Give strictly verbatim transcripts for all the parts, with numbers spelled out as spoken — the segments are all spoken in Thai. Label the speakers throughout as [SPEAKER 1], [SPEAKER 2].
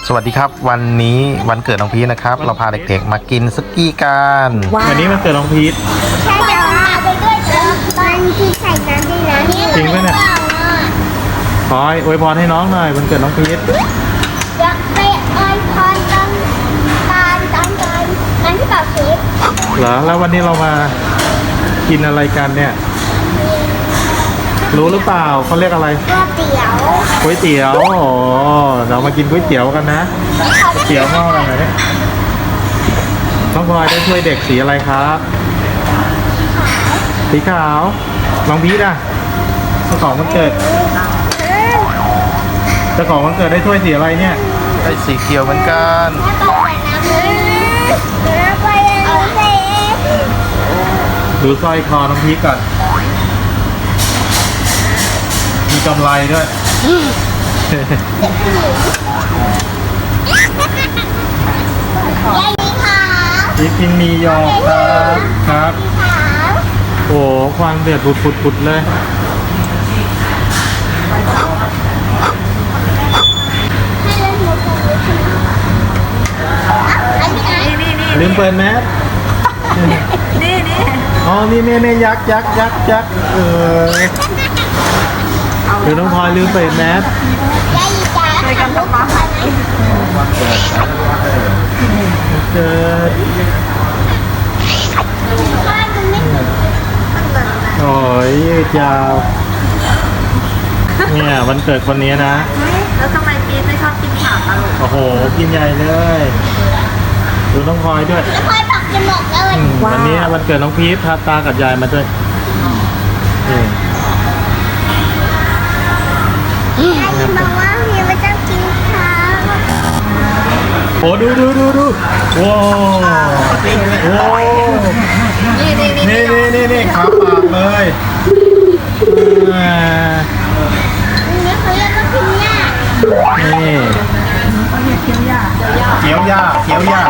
[SPEAKER 1] สวัสดีครับวันนี้วันเกิดน้องพีทนะครับเราพาเด็กๆมากินซุกี้กันวันนี้มันเกิดน้องพีท
[SPEAKER 2] ใช่แต่ว่าไปด้วยเถอะตอนที่ใส่น้ำด้วยนะ
[SPEAKER 1] จริงไหมเนี่ยขออวยพรให้น้องหน่อยวันเกิดน้องพีท
[SPEAKER 2] อยากไปอวยพรตอนตอนตอนตอนตอนที่เป่าเค้ก
[SPEAKER 1] เหรอแล้ววันนี้เรามากินอะไรกันเนี่ยรู้หรือเปล่าเขาเรียกอะไร
[SPEAKER 2] ก๋วยเตี๋ยว
[SPEAKER 1] ก๋วยเตี๋ยวอ๋อเรามากินก๋วยเตี๋ยวกันนะก๋วยเตี๋ยวหม้ออะไรเนี่ยน้องพลอยได้ช่วยเด็กสีอะไรครับสีขาวน้องพีทอ่ะเจ้าของวันเกิดเจ้าของวันเกิดได้ถ้วยสีอะไรเนี่ยได้สีเขียวเหมือนกันดูสร้อยคอน้องพีทก่อนมีกำไรด้วยพีทกินมีหยอกครับครับโอ้ควันเดือดปุดๆๆเลยลืมเปิดแมส
[SPEAKER 3] นี่นี่
[SPEAKER 1] อ๋อนี่นี่นี่ยักษ์ยักษ์ยักษ์ยักษ์เออคือน้องพลอยลืมเปิดแมส
[SPEAKER 3] ช่วยกันทำมาหากิน
[SPEAKER 1] เกิดโอ้ยยืดยาวเนี่ยวันเกิดคนนี้นะ
[SPEAKER 3] แล้วทำไมพีทไม่ชอบกินผักอ่ะลูก
[SPEAKER 1] โอ้โหกินใหญ่เลยดูน้องพลอยด้วย
[SPEAKER 2] น้องพลอยผักจะหมดแล้ว
[SPEAKER 1] วันนี้วันเกิดน้องพีทพาตากับยายมาด้วย
[SPEAKER 2] บอกว่าพี่ไม่ต้องกินข้าว
[SPEAKER 1] โอ้ดูดูดูดูว้าวโอ้
[SPEAKER 3] นี่นี่นี่
[SPEAKER 1] นี่นี่นี่นี่ขาปากเลย
[SPEAKER 2] นี่เขาเรียกว่ากินหญ้า
[SPEAKER 1] นี่
[SPEAKER 3] เคี้ยวหญ้า
[SPEAKER 1] เคี้ยวหญ้าเคี้ยวหญ้า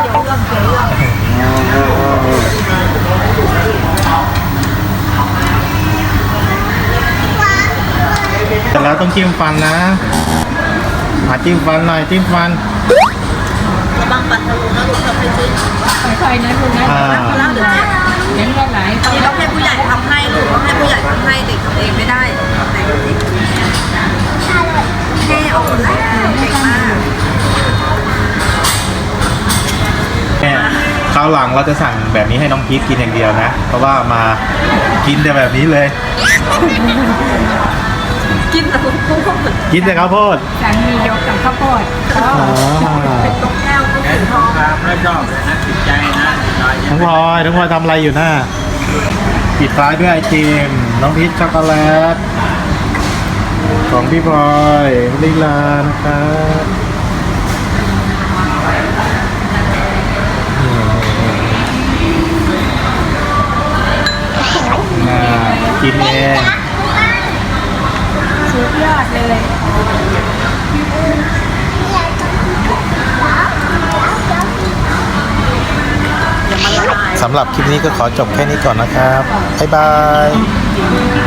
[SPEAKER 1] แต่แล้วต้องจิ้มฟันนะมาจิ้มฟันหน่อยจิ้มฟัน
[SPEAKER 3] ระวังปัดทะลุนะลูกทำไปจิ้มค่อยๆนะลูกนะแล้วเดี๋ยวเห็นว่าไหนนี่ต้องให้ผู้ใหญ่ทำให้ลูกต้องให้ผู้ใหญ่ทำให้เด็กทำเองไม่ได้แต่เด็กแค่ออกแรงเก่งมาก
[SPEAKER 1] แค่คราวหลังเราจะสั่งแบบนี้ให้น้องพีทกินอย่างเดียวนะเพราะว่ามากินแต่แบบนี้เลย
[SPEAKER 3] กินแต่ข้าวโพด
[SPEAKER 1] กินแต่ข้าวโพด
[SPEAKER 3] ฉันมียกกับข้าวโพดอ๋อเป็นตกแก้วก็เป็นทอง
[SPEAKER 4] ไม่ชอบเลยนะติดใจนะ
[SPEAKER 1] น้องพลอยน้องพลอยทำอะไรอยู่หน้าปิดท้ายด้วยไอติมน้องพีชช็อกโกแลตของพี่พลอยลีลานะครับกินเอง
[SPEAKER 3] สุดยอดเลย
[SPEAKER 1] สำหรับคลิปนี้ก็ขอจบแค่นี้ก่อนนะครับบ๊ายบาย